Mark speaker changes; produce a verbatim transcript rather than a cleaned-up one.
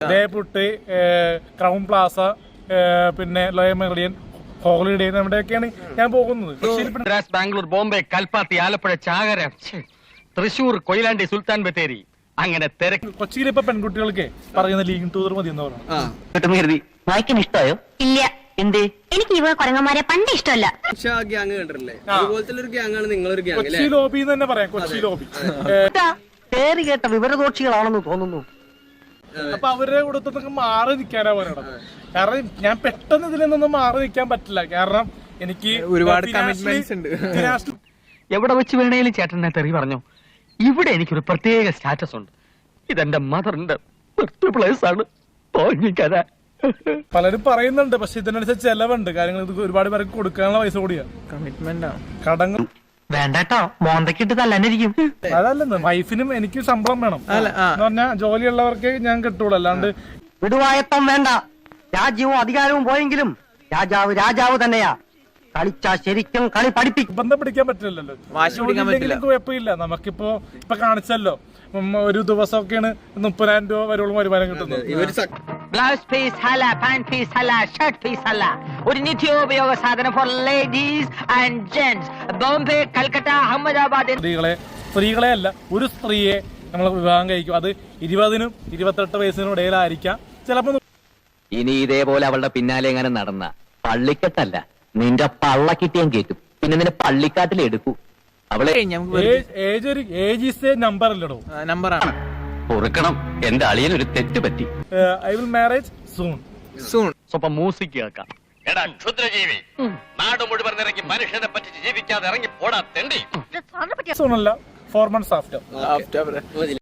Speaker 1: ദേപുട്ട്, crown Plaza, പിന്നെ ലോയൽ Meridian, holiday, നമ്മുടെയൊക്കെയാണ് ഞാൻ പോകുന്നത്.
Speaker 2: ബാംഗ്ലൂർ, ബോംബെ, കൽപ്പാത്തി, ആലപ്പുഴ, ചാകര, തൃശൂർ, കൊയിലാണ്ടി, സുൽത്താൻ ബത്തേരി, അങ്ങനെ തിരക്ക്.
Speaker 1: കൊച്ചിയിൽ ഇപ്പൊ പെൺകുട്ടികൾക്ക് പറയുന്ന ലീഗ് ടൂർ മതി എന്ന് പറഞ്ഞു.
Speaker 3: വായിക്കാൻ ഇഷ്ടമായോ? ഇല്ല. എന്തേ? എനിക്ക് ഇവ കൊരങ്ങന്മാരെ പണ്ട് ഇഷ്ടമല്ല.
Speaker 1: കൊച്ചി ലോബി എന്ന് തന്നെ പറയാം. കൊച്ചി ലോബി
Speaker 3: പേര് കേട്ട വിവരദോഷികളാണെന്ന് തോന്നുന്നു.
Speaker 1: അപ്പൊ അവരുടെ കൂടത്തൊക്കെ മാറി നിൽക്കാനാ പറയണത്. കാരണം ഞാൻ പെട്ടെന്ന് ഇതിൽ നിന്നൊന്നും മാറി നിൽക്കാൻ പറ്റില്ല. കാരണം എനിക്ക്
Speaker 4: ഒരുപാട് കമ്മിറ്റ്മെന്റ്സ് ഉണ്ട്.
Speaker 2: എവിടെ വെച്ച് വേണേലും ചേട്ടനെ തെറി പറഞ്ഞു. ഇവിടെ എനിക്കൊരു പ്രത്യേക സ്റ്റാറ്റസ് ഉണ്ട്. ഇതെന്റെ മദറിന്റെ ബർത്ത് പ്ലേസ് ആണ്. തോന്നിക്കര
Speaker 1: പലരും പറയുന്നുണ്ട്, പക്ഷെ ഇതിനനുസരിച്ച് ചെലവുണ്ട്. കാര്യങ്ങൾ ഇത് ഒരുപാട് പേർക്ക് കൊടുക്കാനുള്ള പൈസ കൂടിയാ.
Speaker 4: കമ്മിറ്റ്മെന്റ് ആണ്.
Speaker 1: കടങ്ങൾ
Speaker 3: വേണ്ടട്ടോ, മോന്തക്കിട്ട് തല്ലാനിരിക്കും.
Speaker 1: അതല്ലെന്ന്, വൈഫിനും എനിക്കും ശമ്പളം വേണം എന്ന് പറഞ്ഞാൽ ജോലിയുള്ളവർക്ക് ഞാൻ കിട്ടുള്ളൂ. അല്ലാണ്ട്
Speaker 3: വിടുവായത്തം വേണ്ട. രാജ്യവും അധികാരവും പോയെങ്കിലും രാജാവ് രാജാവ് തന്നെയാ. കളിച്ചാ ശരിക്കും കളി പഠിപ്പിക്കും.
Speaker 1: ബന്ധം പിടിക്കാൻ പറ്റില്ലല്ലോ. കുഴപ്പമില്ല. നമുക്കിപ്പോ ഇപ്പൊ കാണിച്ചല്ലോ, ഒരു ദിവസമൊക്കെയാണ് മുപ്പതിനായിരം രൂപ വരെയുള്ള വരുമാനം കിട്ടുന്നത്.
Speaker 5: ബ്ലൗസ് പീസ് ഹല, പാന്റ് പീസ് ഹല, ഷർട്ട് പീസ് ഹല, ഒരു നിത്യോപയോഗ സാധനം for ladies and gents. Bombay, Calcutta, Ahmedabad.
Speaker 1: സ്ത്രീകളെ സ്ത്രീകളെ അല്ല, ഒരു സ്ത്രീയെ നമ്മൾ വിവാഹം കഴിക്കും. അത് ഇരുപതിനും ഇരുപത്തെട്ട് വയസ്സിനും ഇടയിലായിരിക്കാം. ചിലപ്പോ
Speaker 6: ഇനി ഇതേപോലെ അവളുടെ പിന്നാലെ എങ്ങനെ നടന്ന പള്ളിക്കെട്ടല്ല, നിന്റെ പള്ള കിട്ടിയാൻ കേൾക്കും. പിന്നെ നിന്നെ പള്ളിക്കാട്ടിൽ എടുക്കൂ. അവളെ
Speaker 1: ഏജ് ഈസ് എ നമ്പർ അല്ലടോ,
Speaker 4: നമ്പറാണ്.
Speaker 6: പൊറുക്കണം. എന്റെ അളിയൻ ഒരു തെറ്റ് പറ്റി.
Speaker 1: I will marriage soon
Speaker 4: soon.
Speaker 2: സ്വപ്പം മ്യൂസിക് കേൾക്കാം.
Speaker 7: എടാ ക്ഷുദ്രജീവി, നാട് മുഴുവൻ ഇറങ്ങി മനുഷ്യനെ പറ്റിച്ച് ജീവിക്കാതെ ഇറങ്ങി പോടാ തെണ്ടി.
Speaker 1: സൂൺ അല്ല, ഫോർ മന്ത്സ് ആഫ്റ്റർ.